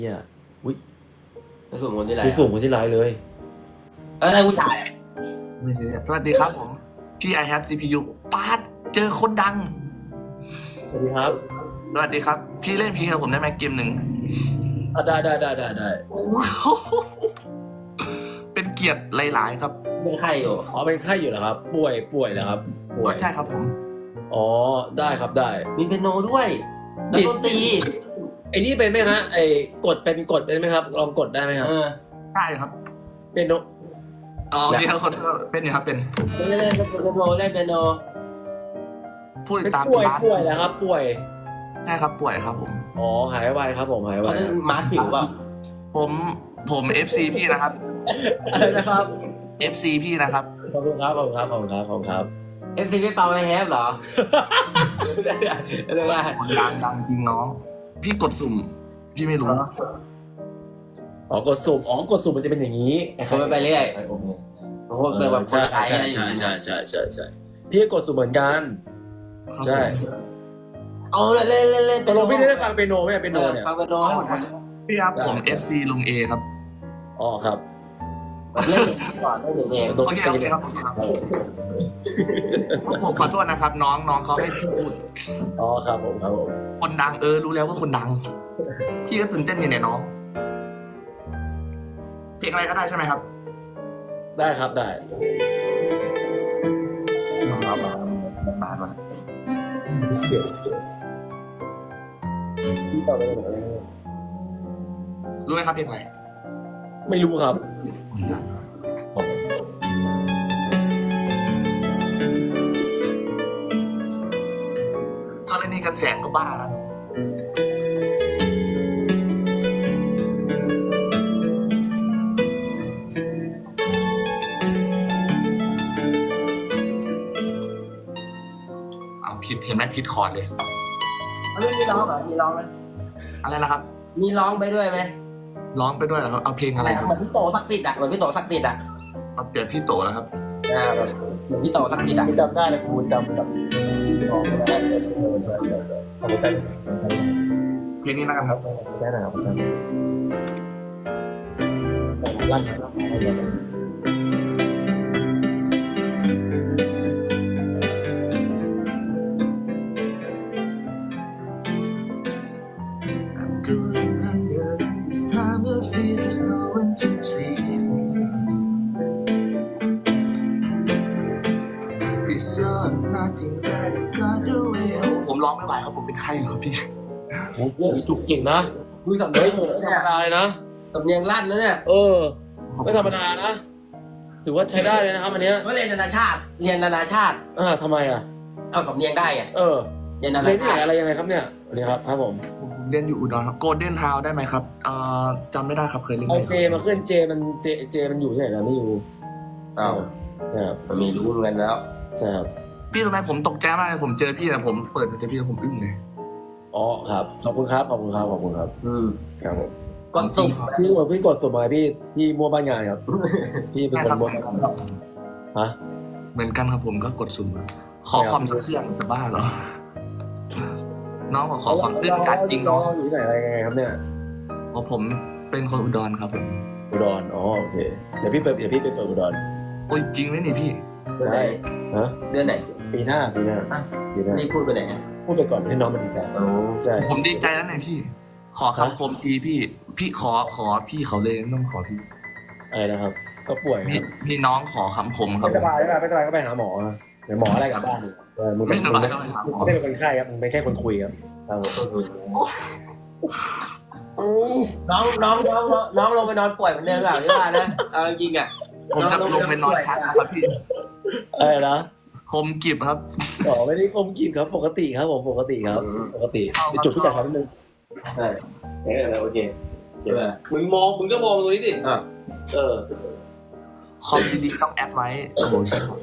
เนี่ยอุ้ยไปสู่คนที่ไรคือสูงคนที่ร้ายเลยอะไรผู้ชายสวัสดีครับผมพี่ I have CPU ปาดเจอคนดังสวัสดีครับสวัสดีครับ พี่เล่นพีกับผมได้ไหมเกมหนึ่งได้โอ้โหเป็นเกียรติหลายๆครับเป็นไข้อยู่อ๋อเป็นไข้อยู่เหรอครับ ป่วยเหรอครับป่วยใช่ครับผมอ๋อได้ครับได้มีเปียโนด้วยแล้วดนตรีไอ้นี่เป็นไหมฮะไอ้กดเป็นไหมครับลองกดได้ไหมครับได้ครับเป็นโนอ๋อพี่คนเป็นอยู่ครับเป็นเล่นเปียโนเล่นเปียโนผู้ติเป็ดนตามป่วยล้านแล้วครับป่วยใช่ครับป่วยครับผมอ๋อหายไวครับผมหายไวเขาเล่นมาร์คสิวเปล่าผม FC พี่นะครับอะไรนะครับ FC พี่นะครับขอบคุณครับเอฟซีไม่เป่าไอแฮปเหรอเรื่องอะไรคนดังจริงน้อง พี่กดสุ่ม พี่ไม่รู้อ๋อกดสุ่มมันจะเป็นอย่างนี้เขาไปเรื่อยโอ้โหเป็นแบบคนไทยอะไรอย่างใช่เงี้ยใช่พี่ก็กดสุ่มเหมือนกัน ใช่เอาเล่นตกลงพี่ได้ฟังเปียโนไหมเปียโนเนี่ยฟังเปียโนให้ผมพี่ครับผม FC ลุง A ครับอ๋อครับเล่นก่อนเล่นเองตัวโอที่เคตีเลยครับผมขอโทษนะครับ น้องเขาให้พี่พูดอ๋อครับผมคนดังรู้แล้วว่าคนดัง พี่ก็ตื่นเต้นอยู่เนี่ยน้อง เพลงอะไรก็ได้ใช่ไหมครับได้ครับได้มาเสียงพี่ต่อไปเลยรู้ไหมครับเพลงอะไรไม่รู้ครับกรณีกันแสงก็บ้าแล้วนะเอาผิดเห็นไหมผิดคอร์ดเลยมีร้องเหรอมีร้องไหมอะไรนะครับมีร้องไปด้วยไหมร้องไปด้วยเหรอครับ เอาเพลงอะไรครับเหมือนพี่โตสักติดอ่ะเหมือนพี่โตสักติดอ่ะเอาเปลี่ยนพี่โตแล้วครับเหมือนพี่โตสักติดอ่ะจำได้เลยกูจำแบบพี่น้องไม่ได้ใช่ขอบคุณใจเพลงนี้แล้วกันครับได้นะครับจำลั่น I'm going under this time I feel there's no one to save me It's all nothing that I got the way ผมร้องไม่ไหวครับผมเป็นไข้อยู่ครับพี่โอ้โหจุกเก่งนะมีสำเนียงไม่ธรรมดาเลยนะสำเนียงลั่นนะเนี่ยไม่ธรรมดานะถือว่าใช้ได้เลยนะครับอันเนี้ยก็เรียนนานาชาติทำไมอ่ะเอาสำเนียงได้ไงเรียนนาเรีนายนที่ไหชาน ติอะไรยังไงครับเนี่ยนี่ครับผมเรียนอยู่อุดรครับโกลเด้นทาวได้ไหมครับจำไม่ได้ครับเคยเล่นไหเอามเจมาขึ้นเจมันอยู่ที่ไหนกันไม่อยู่เอาครับมันมีรู้เงินแล้วใช่ครับพี่รู้ไหมผมตกใจมากเลยผมเจอพี่นะผมเปิดเจอพี่แล้วผมอึ้งเลยอ๋อครับขอบคุณครับครับผมครับครับผมกดสุ่มพี่กดสุ่มอะไรพี่มั่วบ้านงานครับพี่เป็นคนมั่วฮะเหมือนกันครับผมก็กดสุ่มขอความสักเสียงจะบ้าเหรอ น้องบอกขอความตื้นจัดจริงน้น้ออง งอยู่ที่ไหนอะไรยังไงครับเนี่ยเพราะผมเป็นคนอุดรครับผมอุดรอ๋อโอเคเดี๋ยวพี่ไปเปิดอุดรโอ้ยจริงไหมนี่พี่ใช่ฮะเดือนไหนปีหน้านี่พูดไปไหนพูดไปก่อนให้น้องมันดีใจใช่ผมดีใจแล้วเนี่ยพี่ ขอคำคมทีพี่ขอพี่เขาเลยไม่ต้องขอพี่อะไรนะครับก็ป่วยคพี่รับพี่น้องขอคำคมครับไม่สบายก็ไปหาหมอเดี๋ยวหมออะไรกลับบ้านมึงไม่สบายก็ไปหาหมอไม่เป็นคนไข้ครับมึงเป็นแค่คนคุยครับน้องลงไปนอนป่วยเหมือนเดิมหรือเปล่าที่ว่านะเอาจริงอ่ะผมจะลงไปนอนชักครับพี่อะไรนะคมกิบครับอ๋อไม่ได้คมกินครับปกติครับผมปกติครับปกติจุดที่จัดครับนิดนึงใช่โอเคมึงก็มองตรงนี้ดิคอมดีๆต้องแอดไว้โอ้โหใช่ครับ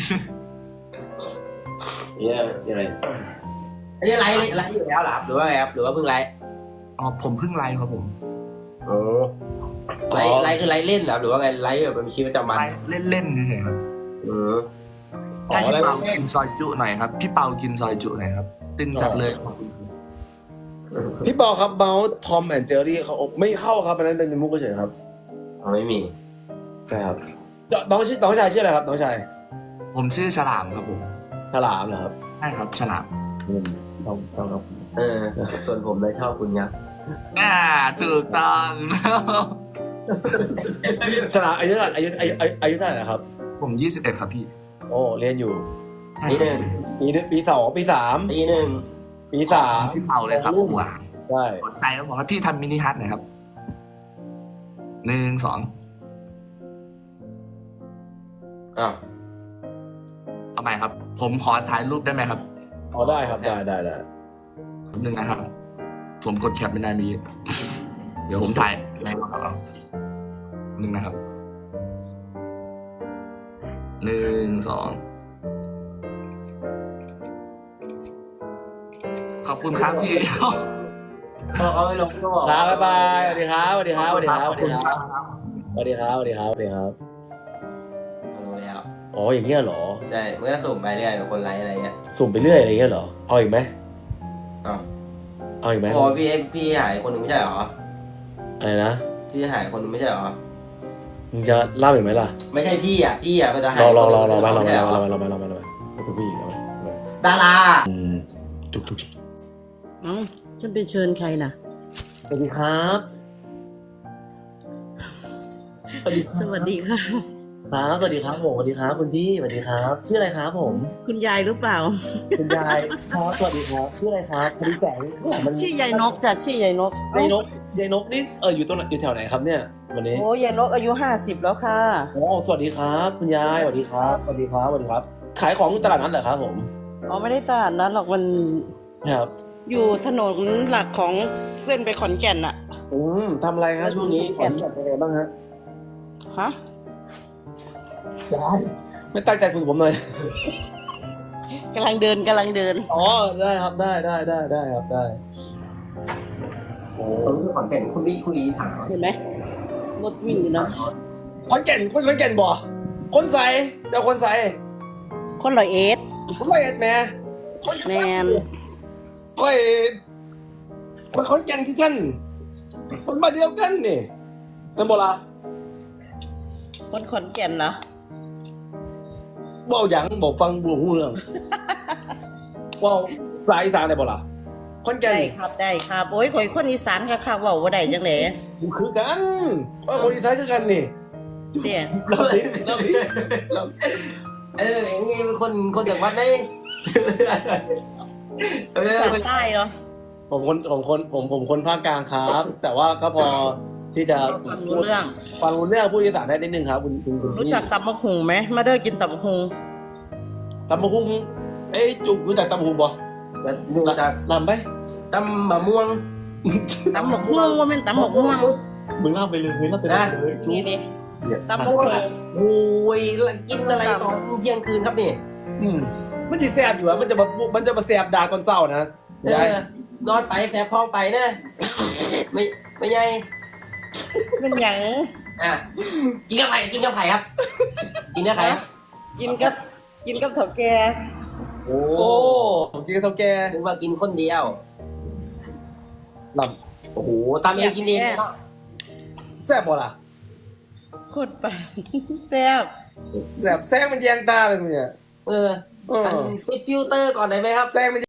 เนี่ยยังไงอันนี้ไลฟ์อยู่แล้วหรอหรือว่าไงครับหรือว่าเพิ่งไลฟ์อ๋อผมเพิ่งไลฟ์ครับผมไลฟ์คือไลฟ์เล่นเหรอหรือว่าไงไลฟ์แบบเป็นชีวิตประจำวันไลฟ์เล่นๆเฉยๆครับอ๋อให้พี่แล้วเปากินซอยจุหน่อยครับพี่เปากินซอยจุหน่อยครับตึงจัดเลยพี่ปอครับเมาส์ทอมแอนด์เจอรี่เขาไม่เข้าครับอันนั้นเป็นมุกเฉยๆครับไม่มีใช่ครับน้องชายชื่ออะไรครับน้องชายผมชื่อฉลามครับผมฉลามเหรอครับใช่ครับฉลามต้องครับส่วนผมเลยชอบคุณยักษ์ถูกต้องฉลามอายุเท่าไหร่อายุเท่าไหร่นะครับผม21ครับพี่โอ้เรียนอยู่ปีหนึ่งปีสองปีสามปีหนึ่งปีสามพี่เป่าเลยครับหวานใช่สนใจแล้วบอกว่าพี่ทำมินิฮัทหน่อยครับ1 2 อ้าวเอาใหม่ครับ ผมขอถ่ายรูปได้ไหมครับอ๋อได้ครับได้หนึ่งนะครับ ผมกดแคปไม่ได้มีเดี๋ยวผมถ่ายในกระเป๋าหนึ่งนะครับ1 2ขอบคุณครับพี่เอาไม่ลงก็บอกครับบ๊ายบายสวัสดีครับสวัสดีครับสวัสดีครับสวัสดีครับสวัสดีครับสวัสดีครับสวัสดีครับลงแล้วอ๋ออย่างเงี้ยเหรอใช่มันก็สุ่มไปเรื่อยเป็นคนไลค์อะไรเงี้ยสุ่มไปเรื่อยอะไรเงี้ยเหรอเอาอีกไหมอ้าวเอาอีกไหมพอพี่หายคนหนึ่งไม่ใช่เหรออะไรนะพี่หายคนหนึ่งไม่ใช่เหรอมึงจะเล่าอีกไหมล่ะไม่ใช่พี่อ่ะมันจะหายรอคนหนึ่งมาไม่ใช่เหรอเป็นผู้หญิงเอาดาราจุกเอ้าฉันไปเชิญใครล่ะสวัสดีครับสวัสดีสวัสดีค่ะครับสวัสดีครับผมสวัสดีครับคุณพี่สวัสดีครับชื่ออะไรครับผมคุณยายหรือเปล่าคุณยายครับสวัสดีครับชื่ออะไรครับพอดีแสงข้างหลังมันชื่อยายนกจ้ะชื่อยายนกยายนกนี่อยู่ตรงไหนอยู่แถวไหนครับเนี่ยวันนี้โอ้ยายนกอายุ50แล้วค่ะอ๋อสวัสดีครับคุณยายสวัสดีครับสวัสดีครับสวัสดีครับ ขายของอยู่ตลาดนั้นเหรอครับผมอ๋อไม่ได้ตลาดนั้นหรอกมันครับอยู่ถนนหลักของเส้นไปขอนแก่นอะทำอะไรฮะช่วงนี้ขอนแก่นเป็นไงบ้างฮะฮะยายไม่ตั้งใจคุยกับผมเลยกำลังเดินอ๋อได้ครับได้ครับได้โอ้ผมคือขอนแก่นคุณพี่สาวเห็นไหมรถวิ่งอยู่นะขอนแก่นบ่คนใส่เจ้าคนใส่คนร้อยเอ็ดผมไม่เอ็ดแม่แมนโอ้ยคนขอนแก่นที่กันคนมาเดียวกันนี่นั่นบ่ล่ะคนขอนแก่นเหรอบ่หยังบอกฟังบ่ฮู้เรื่องว่าสายอีสานได้บ่ล่ะขอนแก่นได้ครับได้ครับโอ้ยข่อยคนอีสานก็ค่ะเว่าได้จังเลยผมคือกันคนอีสานคือกันนี่เนี่ยเราดิไงเป็นคนจากวัดได้สานใต้เหรอผมคนภาคกลางครับ แต่ว่าก็พอที่จะฟังรู้เรื่องฟังรู้เรื่องพูดอีสานได้นิดนึงครับคุณรู้จักตำบักหุงไหมมาเด้อกินตำบักหุงตำบักหุ่งจุกรู้จักตำบักหุ่งบ่รู้จักลำไปตำบะม่วงตำบักม่วงว่าเป็นตำบักม่วงมึงเล่าไปเลยจุกนี่ตำบักหุงโอ้ยกินอะไรตอนเที่ยงคืนครับนี่มันจะแสบอยู่อะมันจะมาแสบด่าตอนเศร้านะนอนไปแสบท้องไปนะไม่ใหญ่เป็นหยังกินกับไผ่ครับ กินกับไผ่กินกับเถาแก่โอ้โอ้ผมกินกับเท่าแกนึกว่ากินคนเดียวลโอ้โหตามเองกินเองเนาะำแสบบ่ล่ะโคตรไปแซ่บแสบแซงมันแยงตาเลยมึงเนี่ยปิดฟิลเตอร์ก่อนได้ไหมครับแซงมัน